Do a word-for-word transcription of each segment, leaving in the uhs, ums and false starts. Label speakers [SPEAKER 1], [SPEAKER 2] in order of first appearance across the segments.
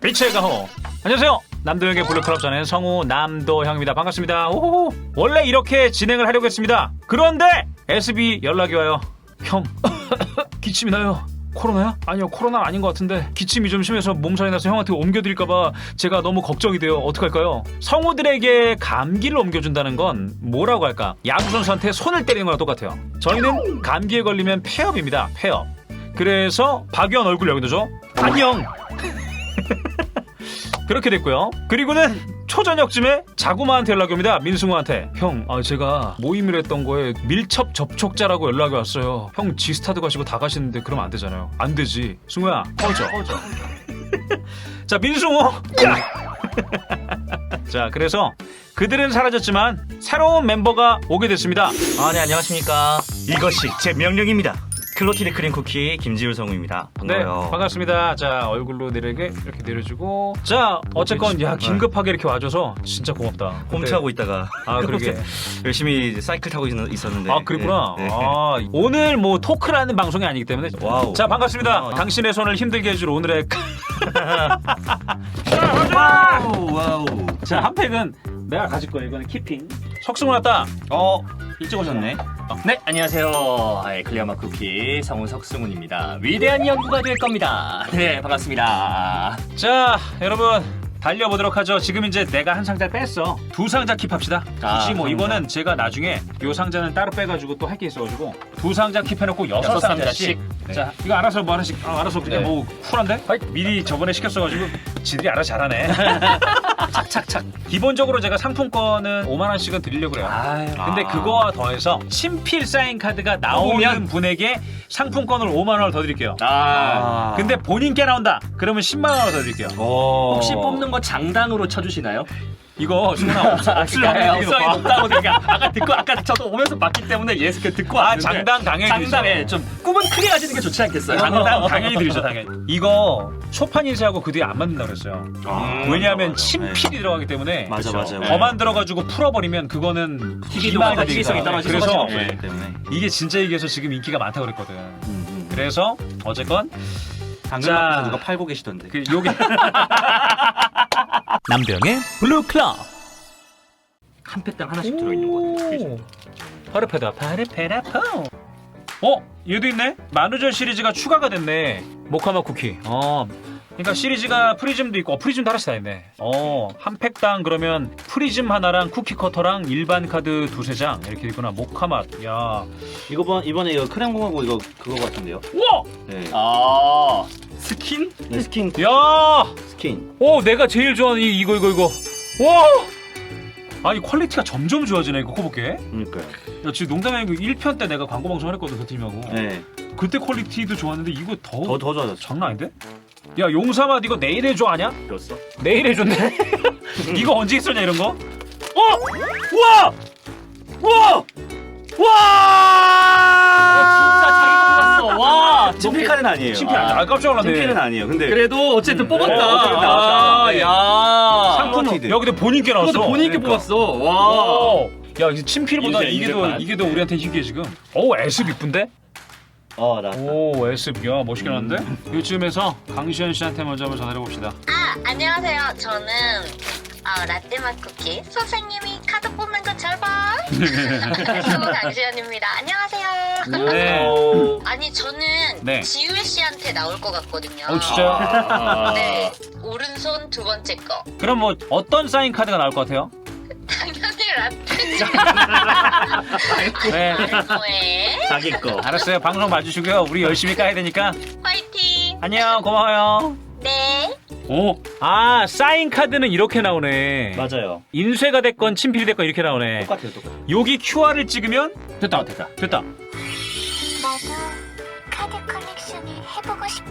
[SPEAKER 1] 빛의 가호. 안녕하세요. 남도형의 블루클럽 전의 성우 남도형입니다. 반갑습니다. 오호호. 원래 이렇게 진행을 하려고 했습니다. 그런데 에스비 연락이 와요. 형 기침이 나요. 코로나야? 아니요, 코로나 아닌 것 같은데 기침이 좀 심해서 몸살이 나서 형한테 옮겨드릴까봐 제가 너무 걱정이 돼요. 어떡할까요? 성우들에게 감기를 옮겨준다는 건 뭐라고 할까? 야구선수한테 손을 때리는 거랑 똑같아요. 저희는 감기에 걸리면 폐업입니다. 폐업. 그래서 박유한 얼굴 여기 넣어줘. 안녕. 그렇게 됐고요. 그리고는 초저녁쯤에 자구마한테 연락이 옵니다. 민승우한테. 형, 아, 제가 모임을 했던 거에 밀접 접촉자라고 연락이 왔어요. 형 지스타드 가시고 다 가시는데 그러면 안 되잖아요. 안 되지. 승우야, 꺼져. 꺼져. 자, 민승우. 자, 그래서 그들은 사라졌지만 새로운 멤버가 오게 됐습니다.
[SPEAKER 2] 아, 네, 안녕하십니까.
[SPEAKER 3] 이것이 제 명령입니다. 클로티드 크림 쿠키 김지율 성우입니다. 반가워요.
[SPEAKER 1] 네, 반갑습니다. 자, 얼굴로 내리게 이렇게 내려주고. 자, 어쨌건 야 긴급하게 이렇게 와줘서 진짜 고맙다.
[SPEAKER 3] 홈트하고 있다가
[SPEAKER 1] 아, 그러게.
[SPEAKER 3] 열심히 사이클 타고 있- 있었는데.
[SPEAKER 1] 아, 그랬구나.
[SPEAKER 3] 네, 네.
[SPEAKER 1] 아, 오늘 뭐 토크라는 방송이 아니기 때문에.
[SPEAKER 3] 와우.
[SPEAKER 1] 자, 반갑습니다.
[SPEAKER 3] 아,
[SPEAKER 1] 당신의 손을 힘들게 해줄 오늘의.
[SPEAKER 3] 와우 와우.
[SPEAKER 1] 자, 한 팩은 내가 가질 거야. 이거는 키핑. 석승우 왔다.
[SPEAKER 3] 어 일찍 오셨네.
[SPEAKER 2] 네, 안녕하세요. 아이, 클리어마 쿠키 성우 석승훈입니다. 위대한 연구가 될 겁니다. 네, 반갑습니다.
[SPEAKER 1] 자, 여러분. 달려보도록 하죠. 지금 이제 내가 한 상자 뺐어. 두 상자 킵합시다.
[SPEAKER 2] 아,
[SPEAKER 1] 굳이 뭐
[SPEAKER 2] 상자.
[SPEAKER 1] 이거는 제가 나중에 요 상자는 따로 빼가지고 또 할 게 있어가지고 두 상자 킵해놓고 여섯
[SPEAKER 2] 여섯
[SPEAKER 1] 상자씩.
[SPEAKER 2] 상자씩. 네.
[SPEAKER 1] 자, 이거 알아서 뭐 하나씩 아, 알아서 그냥
[SPEAKER 2] 네.
[SPEAKER 1] 뭐 쿨한데? 미리 저번에 시켰어가지고 지들이 알아서 잘하네. 착착착. 기본적으로 제가 상품권은 오만 원씩은 드리려고 그래요.
[SPEAKER 2] 아유,
[SPEAKER 1] 근데
[SPEAKER 3] 아.
[SPEAKER 1] 그거와 더해서 친필 사인 카드가 나오는
[SPEAKER 2] 나오면
[SPEAKER 1] 분에게 상품권을 오만 원을 더 드릴게요.
[SPEAKER 2] 아,
[SPEAKER 1] 근데 본인께 나온다. 그러면 십만 원을 더 드릴게요.
[SPEAKER 3] 오.
[SPEAKER 2] 혹시 뽑는 거 장당으로 쳐주시나요?
[SPEAKER 1] 이거 승훈아 없, 없을
[SPEAKER 2] 그러니까
[SPEAKER 1] 확률이 되게
[SPEAKER 2] 없어요,
[SPEAKER 1] 높아.
[SPEAKER 2] 높다고 제가 아까 듣고 아까 저도 오면서 봤기 때문에 예스 그 듣고
[SPEAKER 1] 아,
[SPEAKER 2] 왔는데
[SPEAKER 1] 장당 당연히
[SPEAKER 2] 장당에
[SPEAKER 1] 드리죠.
[SPEAKER 2] 좀 꿈은 크게 가지는 게 좋지 않겠어요?
[SPEAKER 1] 장당 당연히 드리죠, 당연히. 이거 초판 인쇄하고 그 뒤에 안 맞는다고 그랬어요.
[SPEAKER 3] 아,
[SPEAKER 1] 왜냐하면
[SPEAKER 3] 맞아, 맞아.
[SPEAKER 1] 친필이 들어가기 때문에
[SPEAKER 3] 맞아 맞아.
[SPEAKER 2] 네.
[SPEAKER 1] 더만 들어가지고 풀어버리면 그거는
[SPEAKER 2] 희귀도가
[SPEAKER 1] 희망이
[SPEAKER 2] 희귀성이
[SPEAKER 1] 되니까.
[SPEAKER 2] 떨어지는
[SPEAKER 1] 그래서
[SPEAKER 2] 거죠.
[SPEAKER 3] 네.
[SPEAKER 2] 네.
[SPEAKER 3] 때문에.
[SPEAKER 1] 이게 진짜 이게서 지금 인기가 많다고 그랬거든.
[SPEAKER 3] 음, 음.
[SPEAKER 1] 그래서 어쨌건
[SPEAKER 3] 당근
[SPEAKER 1] 자.
[SPEAKER 3] 마켓에서 누가 팔고 계시던데.
[SPEAKER 1] 그 요게 남병의 블루클럽.
[SPEAKER 2] 한 팩당 하나씩 들어있는 거 같아요.
[SPEAKER 1] 파르페다 파르페라포. 어? 얘도 있네? 만우절 시리즈가 추가가 됐네. 모카마 쿠키. 어. 그러니까 시리즈가 프리즘도 있고 어, 프리즘도 하나씩 다 있네. 어, 한 팩당 그러면 프리즘 하나랑 쿠키 커터랑 일반 카드 두세 장 이렇게 있구나. 모카맛. 야.
[SPEAKER 3] 이거 번 이번에 이거 크렘 공하고 이거 그거 같은데요.
[SPEAKER 1] 우와!
[SPEAKER 3] 네.
[SPEAKER 2] 아, 스킨?
[SPEAKER 3] 네 스킨
[SPEAKER 1] 야!
[SPEAKER 3] 스킨.
[SPEAKER 1] 오, 내가 제일 좋아하는 이, 이거 이거 이거. 와! 아니 퀄리티가 점점 좋아지네 이거 커볼게.
[SPEAKER 3] 그러니까요.
[SPEAKER 1] 야, 지금 농담이 아니고 일 편 때 내가 광고 방송을 했거든 그 팀하고.
[SPEAKER 3] 네.
[SPEAKER 1] 그때 퀄리티도 좋았는데 이거 더
[SPEAKER 3] 더 더 좋아졌죠.
[SPEAKER 1] 장난 아닌데? 야, 용사맛 이거 내일 해줘 아냐?
[SPEAKER 2] 줬어?
[SPEAKER 1] 내일 해줬네. 이거 언제 있었냐 이런 거? 어! 우와! 우와!
[SPEAKER 2] 진짜
[SPEAKER 1] 와!
[SPEAKER 2] 자기 뽑았어. 와,
[SPEAKER 3] 친필 카드는 아니에요.
[SPEAKER 1] 친필 아니야. 아, 깜짝 놀랐네.
[SPEAKER 3] 친필은 아니에요. 근데
[SPEAKER 2] 그래도 어쨌든 뽑았다.
[SPEAKER 1] 어, 어쨌든
[SPEAKER 2] 아,
[SPEAKER 1] 나왔다. 네.
[SPEAKER 2] 야.
[SPEAKER 1] 상품
[SPEAKER 3] 클로티드.
[SPEAKER 1] 여기도 본인께 나왔어.
[SPEAKER 2] 그것도 본인께
[SPEAKER 3] 그러니까.
[SPEAKER 2] 뽑았어. 와.
[SPEAKER 1] 오. 야, 이게 친필보다
[SPEAKER 2] 인쇄,
[SPEAKER 1] 이게 더
[SPEAKER 2] 인쇄판.
[SPEAKER 1] 이게 더 우리한테 희귀해 지금. 오, 에스비 이쁜데?
[SPEAKER 3] 어 나.
[SPEAKER 1] 오, 에스비 야 멋있게 나왔는데? 이쯤에서 강시현 씨한테 먼저 한번 전화해 봅시다.
[SPEAKER 4] 아, 안녕하세요. 저는 아, 라떼맛 쿠키 선생님이 카드 뽑는 거 잘 봐. 성우 강지연입니다. 안녕하세요.
[SPEAKER 1] 네.
[SPEAKER 4] 아니 저는
[SPEAKER 1] 네.
[SPEAKER 4] 지율 씨한테 나올 것 같거든요.
[SPEAKER 1] 어, 진짜요?
[SPEAKER 2] 아.
[SPEAKER 4] 네, 오른손 두 번째 거.
[SPEAKER 1] 그럼 뭐 어떤 사인 카드가 나올 것 같아요?
[SPEAKER 4] 당연히 라떼죠.
[SPEAKER 1] 네.
[SPEAKER 4] 뭐해?
[SPEAKER 3] 자기 거.
[SPEAKER 1] 알았어요. 방송 봐주시고요. 우리 열심히 까야 되니까.
[SPEAKER 4] 화이팅.
[SPEAKER 1] 안녕, 고마워요.
[SPEAKER 4] 네.
[SPEAKER 1] 오, 아, 사인 카드는 이렇게 나오네.
[SPEAKER 3] 맞아요.
[SPEAKER 1] 인쇄가 됐건 친필이 됐건 이렇게 나오네.
[SPEAKER 3] 똑같아요, 똑같아요.
[SPEAKER 1] 여기 큐알을 찍으면 됐다, 됐다, 됐다.
[SPEAKER 5] 나도 카드 컬렉션을 해보고 싶어.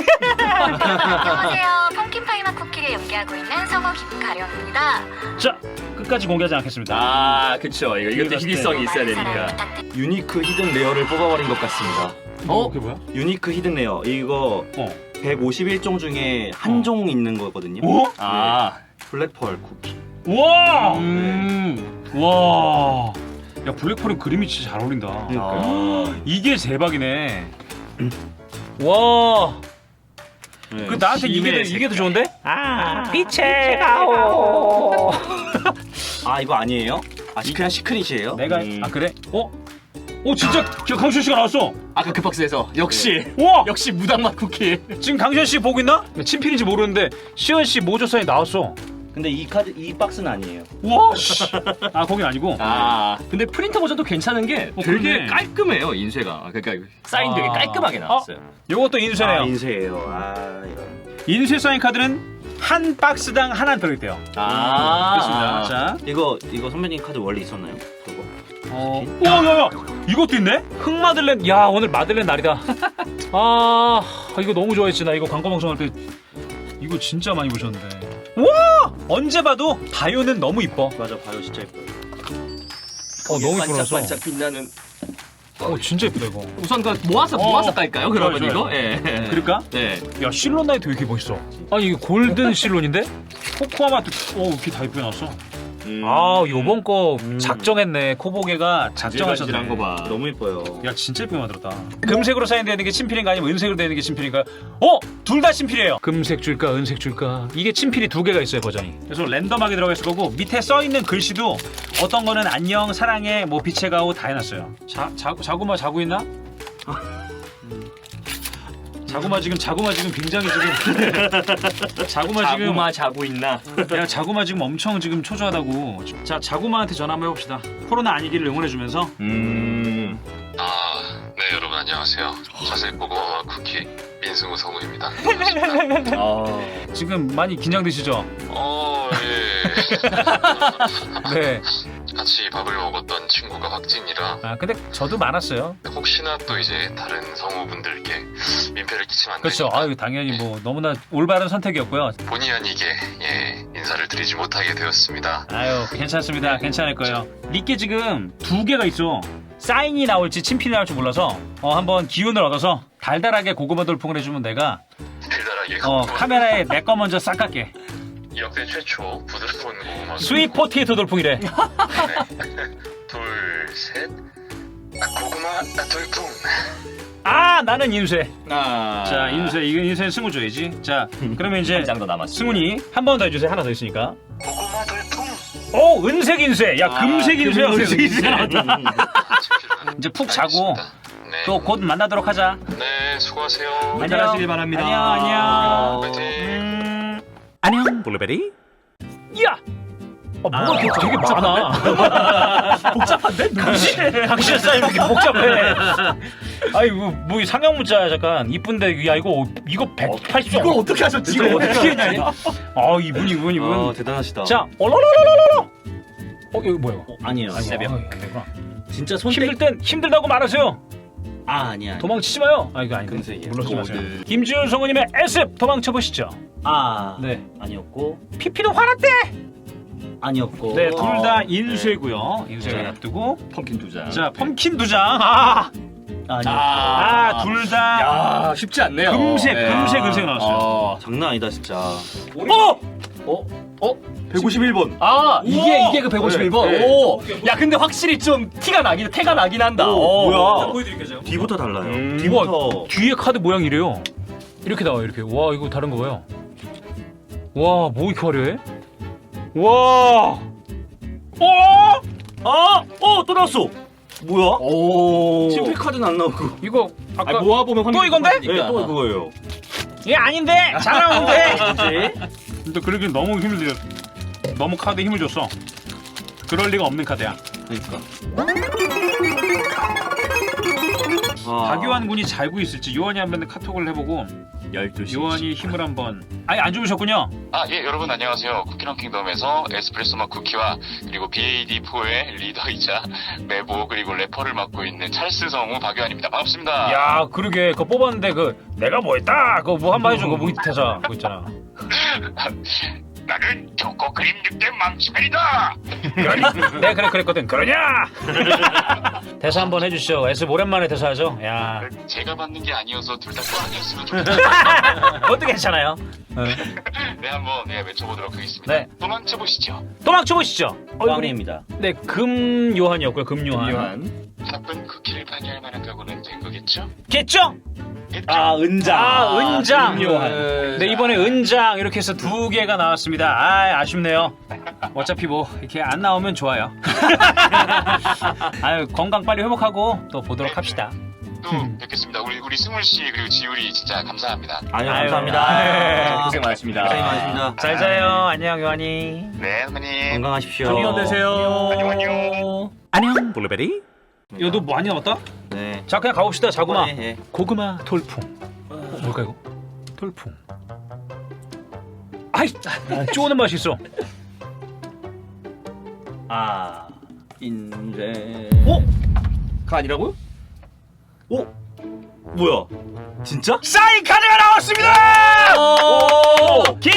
[SPEAKER 5] 안녕하세요. 펌킨파이맛 쿠키를 연기하고 있는 성우 김가령입니다.
[SPEAKER 1] 자, 끝까지 공개하지 않겠습니다.
[SPEAKER 2] 아, 그쵸. 이거 이것도 희귀성이 있어야 되니까.
[SPEAKER 5] 부탁드립니다.
[SPEAKER 3] 유니크 히든 레어를 뽑아버린 것 같습니다.
[SPEAKER 1] 어, 그게 뭐야?
[SPEAKER 3] 유니크 히든 레어 이거
[SPEAKER 1] 어.
[SPEAKER 3] 백오십일 종 중에 한
[SPEAKER 1] 어.
[SPEAKER 3] 종 있는 거거든요.
[SPEAKER 1] 오?
[SPEAKER 2] 아,
[SPEAKER 3] 블랙펄 쿠키.
[SPEAKER 1] 우와!
[SPEAKER 2] 음.
[SPEAKER 1] 와. 야, 블랙펄은 그림이 진짜 잘 어울린다.
[SPEAKER 3] 그러니까요.
[SPEAKER 1] 이게 대박이네. 와.
[SPEAKER 3] 네.
[SPEAKER 1] 그 나한테 이게 더,
[SPEAKER 3] 심해,
[SPEAKER 1] 이게 더 좋은데? 아, 빛의 가오.
[SPEAKER 3] 아 이거 아니에요? 아 그냥 시크릿이에요?
[SPEAKER 1] 내가
[SPEAKER 2] 음.
[SPEAKER 1] 아 그래? 어? 오 진짜 저 강시현 씨가 나왔어.
[SPEAKER 2] 아까 그 박스에서 역시
[SPEAKER 1] 우와!
[SPEAKER 2] 역시 무당맛 쿠키.
[SPEAKER 1] 지금 강시현 씨 보고 있나? 친필인지 모르는데 시현 씨 모조사에 나왔어.
[SPEAKER 3] 근데 이 카드 이 박스는 아니에요.
[SPEAKER 1] 우와 씨. 아 거긴 아니고.
[SPEAKER 2] 아 근데 프린터 버전도 괜찮은 게
[SPEAKER 1] 어,
[SPEAKER 2] 되게
[SPEAKER 1] 그러네.
[SPEAKER 2] 깔끔해요 인쇄가. 그러니까 사인 되게
[SPEAKER 1] 아.
[SPEAKER 2] 깔끔하게 나왔어요.
[SPEAKER 1] 요것도 인쇄네요.
[SPEAKER 3] 아, 인쇄예요. 아 이런.
[SPEAKER 1] 인쇄 사인 카드는 한 박스당 하나 들어있대요.
[SPEAKER 2] 아,
[SPEAKER 1] 그렇습니다. 자,
[SPEAKER 3] 이거 이거 선배님 카드 원래 있었나요? 그거.
[SPEAKER 1] 어, 오, 야야, 이것도 있네? 흑 마들렌. 야, 오늘 마들렌 날이다. 아, 이거 너무 좋아했지. 나 이거 광고 방송할 때 이거 진짜 많이 보셨는데. 와, 언제 봐도 바이오는 너무 이뻐.
[SPEAKER 3] 맞아 바이오 진짜 예뻐요.
[SPEAKER 1] 어, 너무 이쁘라서.
[SPEAKER 2] 반짝반짝 빛나는.
[SPEAKER 1] 어, 진짜 이쁘다 이거.
[SPEAKER 2] 우선 그 모아서
[SPEAKER 1] 어,
[SPEAKER 2] 모아서 깔까요? 그러면
[SPEAKER 1] 좋아요,
[SPEAKER 2] 이거?
[SPEAKER 1] 좋아요.
[SPEAKER 2] 예.
[SPEAKER 1] 그럴까?
[SPEAKER 2] 네.
[SPEAKER 1] 야, 실론 나이트 왜 이렇게 멋있어? 아니 이거 골든 실론인데? 코코아마트. 오, 이렇게 다 이쁘게 나왔어.
[SPEAKER 2] 음.
[SPEAKER 1] 아, 요번 거
[SPEAKER 3] 음.
[SPEAKER 1] 작정했네. 코보게가 작정하셨네.
[SPEAKER 2] 질질한 거 봐.
[SPEAKER 3] 너무 예뻐요.
[SPEAKER 1] 야 진짜 예쁘게 만들었다. 금색으로 사인되는 게 친필인가 아니면 은색으로 되는 게 친필인가? 어? 둘 다 친필이에요. 금색 줄까 은색 줄까? 이게 친필이 두 개가 있어요 버전이. 그래서 랜덤하게 들어가 있을 거고 밑에 써 있는 글씨도 어떤 거는 안녕 사랑해 뭐 빛의 가오 다 해놨어요. 자, 자 자구마 자고 있나? 자구마 지금 자구마 지금 굉장히 지금 자구마 지금
[SPEAKER 2] 자구마 자고 있나?
[SPEAKER 1] 야 자구마 지금 엄청 지금 초조하다고. 자 자구마한테 전화 한번 해봅시다. 코로나 아니기를 응원해주면서.
[SPEAKER 2] 음.
[SPEAKER 6] 아, 네 여러분 안녕하세요. 자세히 보고 쿠키 민승우 성우입니다.
[SPEAKER 2] 아.
[SPEAKER 1] 지금 많이 긴장되시죠?
[SPEAKER 6] 어, 예.
[SPEAKER 1] 네.
[SPEAKER 6] 같이 밥을 먹었던 친구가 확진이라
[SPEAKER 1] 아 근데 저도 많았어요.
[SPEAKER 6] 혹시나 또 이제 다른 성우분들께 민폐를 끼치면 안
[SPEAKER 1] 그렇죠.
[SPEAKER 6] 되니까
[SPEAKER 1] 아유 당연히 뭐 너무나 올바른 선택이었고요.
[SPEAKER 6] 본의 아니게 예, 인사를 드리지 못하게 되었습니다.
[SPEAKER 1] 아유 괜찮습니다. 괜찮을 거예요. 리께 지금 두 개가 있어. 사인이 나올지 친필이 나올지 몰라서 어, 한번 기운을 얻어서 달달하게 고구마 돌풍을 해주면 내가
[SPEAKER 6] 달달하게
[SPEAKER 1] 어, 카메라에 내 거 먼저 싹 갈게.
[SPEAKER 6] 역대 최초 부드러운 고구마
[SPEAKER 1] 스윗 포테이토 돌풍이래.
[SPEAKER 6] 네. 둘, 셋. 아, 고구마 아, 돌풍.
[SPEAKER 1] 아 나는 인쇄.
[SPEAKER 2] 아.
[SPEAKER 1] 자 인쇄 이거 인쇄 승우 줘야지. 자 그러면 이제
[SPEAKER 2] 한 장 더 남았어.
[SPEAKER 1] 승훈이 한 번 더 해주세요. 하나 더 있으니까.
[SPEAKER 6] 고구마 돌풍.
[SPEAKER 1] 오 은색 인쇄. 야
[SPEAKER 2] 아,
[SPEAKER 1] 금색 인쇄야.
[SPEAKER 2] 금색 인쇄.
[SPEAKER 1] 이제 푹 자고
[SPEAKER 6] 네.
[SPEAKER 1] 또 곧 만나도록 하자.
[SPEAKER 6] 네, 수고하세요.
[SPEAKER 2] 안녕. 잘하시길 바랍니다.
[SPEAKER 1] 안녕 안녕.
[SPEAKER 6] 화이팅.
[SPEAKER 1] 음... 안녕 블루베리. 야. 어, 뭐가 이렇게 되게 많아. 복잡한데? 누구지? 당신 사인 이렇게 복잡해. 아이 뭐 이 상형 문자 잠깐 이쁜데 야 이거 이거 백팔십.
[SPEAKER 2] 이걸 어떻게 하셨지?
[SPEAKER 1] 이거 어떻게 했냐 이거? 아 이분 이분 이분.
[SPEAKER 3] 아 대단하시다.
[SPEAKER 1] 자 얼얼얼얼얼. 어 이거 뭐야?
[SPEAKER 3] 어, 아니에요.
[SPEAKER 1] 아이고,
[SPEAKER 2] 새벽.
[SPEAKER 1] 아이고, 안 되구나.
[SPEAKER 3] 진짜 손
[SPEAKER 1] 힘들 땐 힘들다고 말하세요.
[SPEAKER 3] 아 아니야.
[SPEAKER 1] 도망치지 마요. 아 이거 아닌데.
[SPEAKER 3] 금색이에요.
[SPEAKER 1] 물러서지 마세요.
[SPEAKER 2] 고드.
[SPEAKER 1] 김지훈 성우님의 에스에프 도망쳐 보시죠.
[SPEAKER 3] 아
[SPEAKER 1] 네.
[SPEAKER 3] 아니었고
[SPEAKER 1] 피피도 화났대.
[SPEAKER 3] 아니었고.
[SPEAKER 1] 네, 둘 다
[SPEAKER 3] 어,
[SPEAKER 1] 인쇄고요. 인쇄를
[SPEAKER 3] 네.
[SPEAKER 1] 앞두고.
[SPEAKER 2] 펌킨 두 장.
[SPEAKER 1] 자, 펌킨 두 장. 아,
[SPEAKER 3] 아니었고.
[SPEAKER 1] 아, 둘 다.
[SPEAKER 2] 야, 쉽지 않네요.
[SPEAKER 1] 금색,
[SPEAKER 2] 네.
[SPEAKER 1] 금색, 금색 나왔어요.
[SPEAKER 2] 어.
[SPEAKER 3] 장난 아니다 진짜.
[SPEAKER 1] 어,
[SPEAKER 3] 어? 어? 백오십일 번.
[SPEAKER 2] 아, 이게
[SPEAKER 1] 우와!
[SPEAKER 2] 이게 그 백오십일 번.
[SPEAKER 3] 네, 네.
[SPEAKER 2] 오. 야, 근데 확실히 좀 티가 나긴 태가 나긴 한다.
[SPEAKER 3] 오,
[SPEAKER 2] 어.
[SPEAKER 3] 뭐야?
[SPEAKER 1] 보여드릴게요, 제가.
[SPEAKER 3] 뒤부터 달라요.
[SPEAKER 2] 음.
[SPEAKER 3] 뒤부터.
[SPEAKER 1] 뒤에 카드 모양이 이래요. 이렇게 나와요, 이렇게. 와, 이거 다른 거 봐요. 와, 뭐 이렇게 화려해? 와. 어?
[SPEAKER 3] 아! 어! 또 나왔어! 뭐야?
[SPEAKER 2] 오.
[SPEAKER 3] 친필 카드는 안 나오고.
[SPEAKER 1] 이거 아까
[SPEAKER 2] 아, 모아 보면
[SPEAKER 1] 또 이건데?
[SPEAKER 3] 네, 또 그거예요.
[SPEAKER 1] 얘 아닌데. 잘 나오는데.
[SPEAKER 3] 뭐지?
[SPEAKER 1] 근데 그러긴 너무 힘을 들여. 너무 카드에 힘을 줬어. 그럴 리가 없는 카드야.
[SPEAKER 3] 그러니까. 아.
[SPEAKER 1] 박요한 군이 잘고 있을지 요한이 한번 카톡을 해보고
[SPEAKER 2] 열두 시.
[SPEAKER 1] 요한이 힘을 한번. 아니 안 주무셨군요.
[SPEAKER 6] 아, 예, 여러분 안녕하세요. 쿠키런 킹덤에서 에스프레소 맛 쿠키와 그리고 비에이디 포의 리더이자 메보 그리고 래퍼를 맡고 있는 찰스 성우 박유한입니다. 반갑습니다.
[SPEAKER 1] 야 그러게 그거 뽑았는데 그 내가 뭐 했다 그거 뭐 한번 해줘. 그거 뭐 대사 그거 있잖아.
[SPEAKER 6] 나는 초코 크림 육개 망치맨이다.
[SPEAKER 1] 내가 그래 그랬거든. 그러냐? 대사 한번 해주시죠. 에스 오랜만에 대사하죠. 야
[SPEAKER 6] 제가 받는 게 아니어서 둘 다 또 아니었으면 좋겠어요.
[SPEAKER 1] 그것도 괜찮아요.
[SPEAKER 6] 네, 한번 네, 외쳐보도록 하겠습니다.
[SPEAKER 1] 네.
[SPEAKER 6] 도망쳐 보시죠.
[SPEAKER 1] 도망쳐 보시죠.
[SPEAKER 3] 꽝입니다.
[SPEAKER 1] 네, 금 요한이었고요. 금 요한.
[SPEAKER 2] 요한.
[SPEAKER 6] 바쁜 쿠키를 방해할 만한 각오는 된 거겠죠?
[SPEAKER 1] 겠죠?
[SPEAKER 6] 했죠.
[SPEAKER 2] 아 은장.
[SPEAKER 1] 아, 은장.
[SPEAKER 2] 중요한.
[SPEAKER 1] 네, 이번에 은장 이렇게 해서 두 개가 나왔습니다. 아, 아쉽네요. 어차피 뭐 이렇게 안 나오면 좋아요. 아유, 건강 빨리 회복하고 또 보도록 합시다.
[SPEAKER 6] 또 뵙겠습니다. 우리 우리 승훈 씨 그리고 지율이 진짜 감사합니다.
[SPEAKER 3] 아유,
[SPEAKER 1] 아유,
[SPEAKER 3] 감사합니다.
[SPEAKER 1] 아유.
[SPEAKER 2] 고생 많으십니다.
[SPEAKER 3] 고생 많으십니다.
[SPEAKER 1] 잘 자요. 안녕, 요한이.
[SPEAKER 6] 네, 선배님.
[SPEAKER 3] 건강하십시오.
[SPEAKER 2] 안녕 되세요.
[SPEAKER 6] 안녕, 안녕.
[SPEAKER 1] 안녕, 블루베리. 야, 너 많이 남았다?
[SPEAKER 3] 네.
[SPEAKER 1] 자, 그냥 가봅시다. 자구마.
[SPEAKER 3] 네, 네.
[SPEAKER 1] 고구마 돌풍. 어, 뭘까 이거? 돌풍. 아이, 쪼는 맛이 있어.
[SPEAKER 3] 아, 인제.
[SPEAKER 1] 어?
[SPEAKER 2] 가 아니라고요?
[SPEAKER 3] 오, 뭐야? 진짜?
[SPEAKER 1] 사인 카드가 나왔습니다.
[SPEAKER 2] 오!
[SPEAKER 1] 김!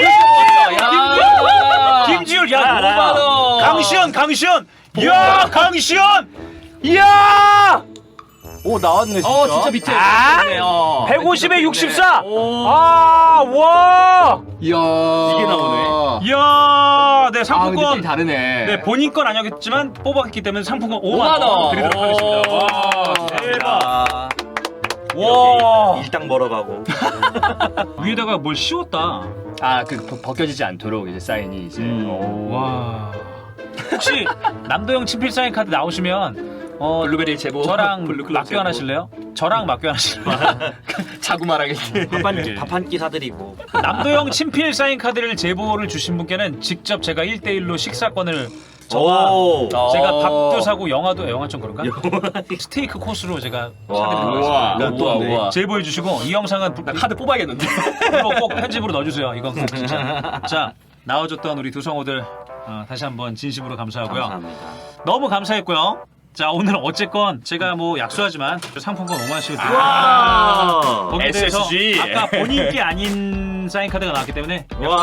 [SPEAKER 2] 야!
[SPEAKER 1] 김지율, 야,
[SPEAKER 3] 야,
[SPEAKER 1] 오만
[SPEAKER 3] 야.
[SPEAKER 1] 원. 강시현, 강시현. 야, 강시현. 이야.
[SPEAKER 3] 오, 나왔네, 진짜.
[SPEAKER 2] 어 진짜 밑에.
[SPEAKER 1] 아!
[SPEAKER 2] 어,
[SPEAKER 1] 백오십에
[SPEAKER 2] 밑에
[SPEAKER 1] 육십사.
[SPEAKER 2] 오.
[SPEAKER 1] 아, 와.
[SPEAKER 2] 이야.
[SPEAKER 3] 이게 나오네.
[SPEAKER 1] 이야, 네,
[SPEAKER 2] 아,
[SPEAKER 1] 상품권.
[SPEAKER 2] 느낌이 다르네.
[SPEAKER 1] 네, 본인 건 아니었지만 뽑았기 때문에 상품권 오만
[SPEAKER 2] 오만 원
[SPEAKER 1] 원 드리도록 하겠습니다. 와,
[SPEAKER 2] 오.
[SPEAKER 1] 대박.
[SPEAKER 3] 아,
[SPEAKER 1] 와.
[SPEAKER 3] 일당 벌어가고.
[SPEAKER 1] 위에다가 뭘 씌웠다.
[SPEAKER 2] 아그 벗겨지지 않도록 이제 사인이 이제.
[SPEAKER 3] 음.
[SPEAKER 2] 오.
[SPEAKER 1] 와. 혹시 남도형 친필 사인 카드 나오시면 어
[SPEAKER 2] 블루베리 제보.
[SPEAKER 1] 저랑
[SPEAKER 2] 블루클럽
[SPEAKER 1] 맞교
[SPEAKER 2] 제보.
[SPEAKER 1] 하실래요? 저랑 맞교 하실래요?
[SPEAKER 2] 자구말하겠지.
[SPEAKER 3] 밥한 밥한 끼 사드리고.
[SPEAKER 1] 남도형 친필 사인 카드를 제보를 주신 분께는 직접 제가 일 대 일로 식사권을 저와
[SPEAKER 3] 오.
[SPEAKER 1] 제가
[SPEAKER 2] 어.
[SPEAKER 1] 밥도 사고 영화도 영화 좀 그런가? 스테이크 코스로 제가
[SPEAKER 3] 와.
[SPEAKER 1] 사드리도록
[SPEAKER 2] 우와.
[SPEAKER 1] 하겠습니다.
[SPEAKER 2] 우와 우와.
[SPEAKER 1] 제보해 주시고 이 영상은
[SPEAKER 2] 나 카드 뽑아야겠는데.
[SPEAKER 1] 이거 꼭 편집으로 넣어주세요. 이건 꼭 진짜. 자, 나와줬던 우리 두 성우들 어, 다시 한번 진심으로 감사하고요.
[SPEAKER 3] 감사합니다.
[SPEAKER 1] 너무 감사했고요. 자, 오늘 어쨌건 제가 뭐 약속하지만 상품권 오만 원씩을 드립니다.
[SPEAKER 3] 와.
[SPEAKER 1] 거기에 대해서
[SPEAKER 2] 에스에스지.
[SPEAKER 1] 아까 본인 게 아닌 사인 카드가 나왔기 때문에
[SPEAKER 3] 와.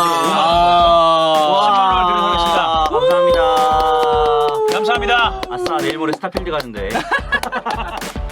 [SPEAKER 1] 십만 원을 드리도록 하겠습니다.
[SPEAKER 3] 감사합니다.
[SPEAKER 1] 감사합니다.
[SPEAKER 3] 아싸, 내일 모레 스타필드 가는데.